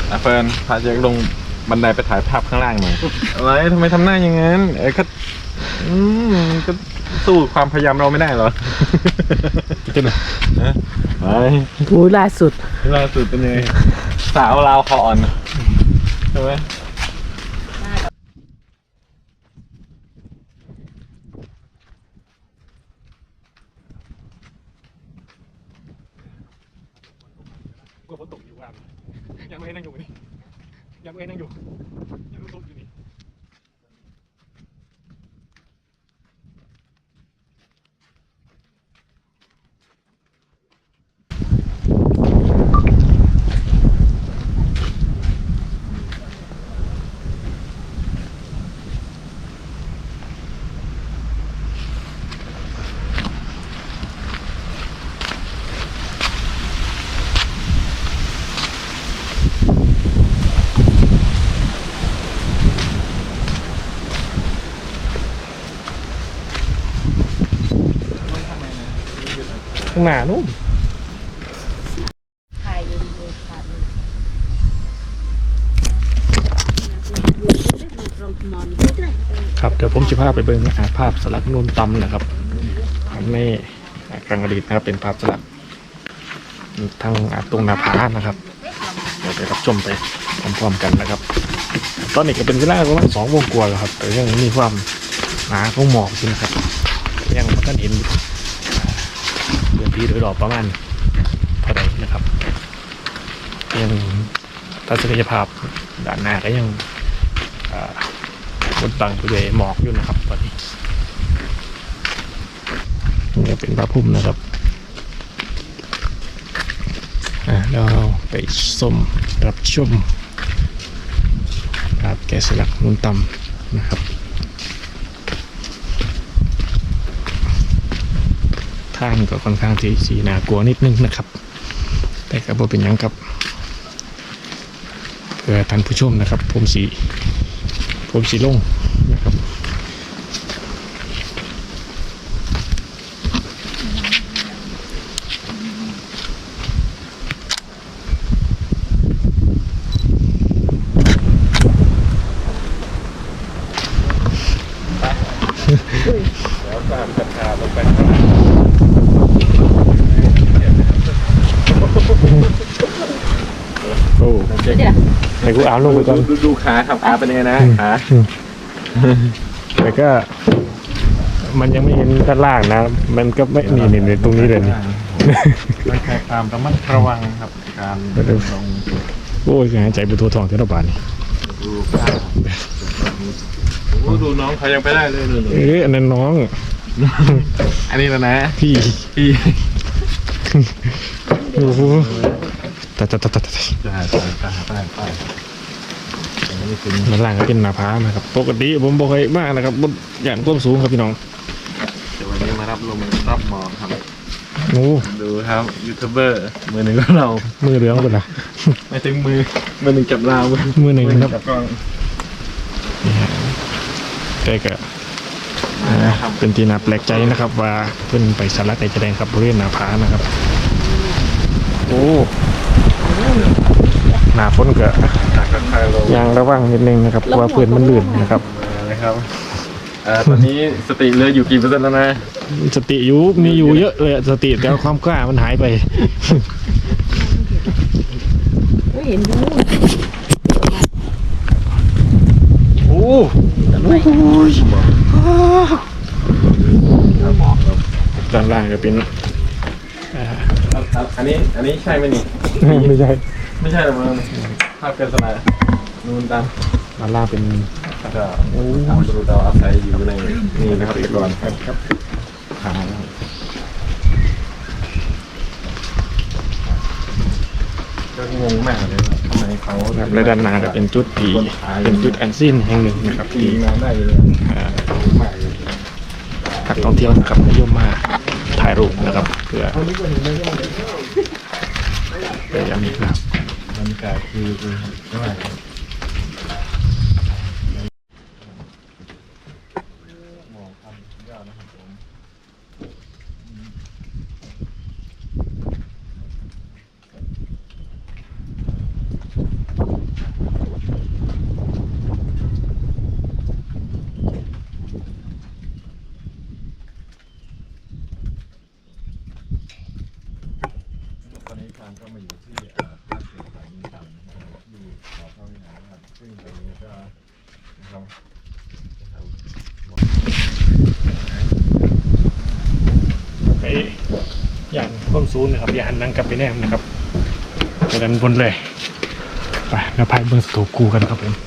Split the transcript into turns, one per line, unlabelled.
เฟิร์นพาเจ๊ลงบันไดไปถ่ายภาพข้างล่างหน่อยอะไรทำไมทำหน้าอย่างนั้นก็สู้ความพยายามเราไม่ได้เหรอขึ้นมาไป
โอ้ยล่าสุด
เป็นยังไงสาวลาวคออ่อนใช่ไหมกลัวฝนตกอยู่อ่ะยังไม่ให้นั่งอยู่นี่ยังไม่ให้นั่งอยู่ยังตกอยู่นี่ข้างหน้านู่นครับเดี๋ยวผมจะพาไปเบิ่งภาพสลักนูนตำนะครับในครั้งอดีตนะครับเป็นภาพสลักทางตรงนาผานะครับเดี๋ยวไปรับชมไปพร้อมๆกันนะครับตอนนี้ก็เป็นเวลาประมาณ2 โมงกว่าแล้วครับแต่ยังมีความหนาของหมอกอยู่นะครับยังไม่ทันเห็นพื้นที่โดยรอบประมาณเท่าไหร่นะครับยังทัศนียภาพด้านหน้าก็ยังบนบังไปด้วยหมอกอยู่นะครับตอนนี้นี่เป็นพระพุ่มนะครับเราไปรับชมภาพแกะสลักนูนตำนะครับทางก็ค่อนข้างที่สีน่ากลัวนิดนึงนะครับแต่ก็บ่เป็นยังครับเพื่อท่านผู้ชมนะครับผมสีลงนะครับแล้วตามกระถาลงไปโอ้ให้กูเอาลงไปก่อนดูขาครับขาเป็นยังไงนะขาแต่ก็มันยังไม่เห็นด้านล่างนะมันก็ไม่นี่ตรงนี้เลยนี่มันแค่ความระมัดระวังครับการลงโอ้ยหายใจเป็นตัวทองเท่าบาทนี่ดูน้องเขายังไปได้เลยอันนั้นน้องอันนี้แล้วนะพี่โอ้โหแต่ด้านล่างก็เป็นหน้าผานะครับปกติผมบอกให้มากนะครับบนอย่างต้นสูงครับพี่น้องเดี๋ยววันนี้มารับหมอครับโอ้ดูครับยูทูบเบอร์มือหนึ่งของเรามือเหลืองเป็นไรไม่ถึงมือหนึ่งจับราวมือหนึ่งครับแต่ก็เป็นที่น่าแปลกใจนะครับว่าเพิ่นไปสลักในแสดงครับบริเวณหน้าผานะครับโอ้หน้าฝนก็ยังระวังนิดนึงนะครับเพราะว่าพื้นมันลื่นนะครับตอนนี้สติเหลืออยู่กี่เปอร์เซ็นต์แล้วนะสติมีอยู่เยอะเลยสติแต่ความกล้ามันหายไปเห็นดูโอ้ด้านล่างก็เป็นอันนี้ใช่ไหมนี่ไม่ใช่หรอกมันภาพเกษณานูนตามด้านล่างเป็นทำดูดาวอาศัยอยู่ในนี่นะครับแต่ก่อนครับก็งงมากเลยทำไมเขาในด้านหน้าก็เป็นจุดแอนซินแห่งหนึ่งนะครับที่นักท่องเที่ยวนะครับนิยมมาถ่ายรูปนะครับเพื่อยังมีครับบรรยากาศคือเท่าไหร่หมอกทำยากนะครับผมสูงนะครับอย่าหันหลังกลับไปแนมนะครับไปด้านบนเลยไปเราพายเบิ้งสตูกูกันครับผม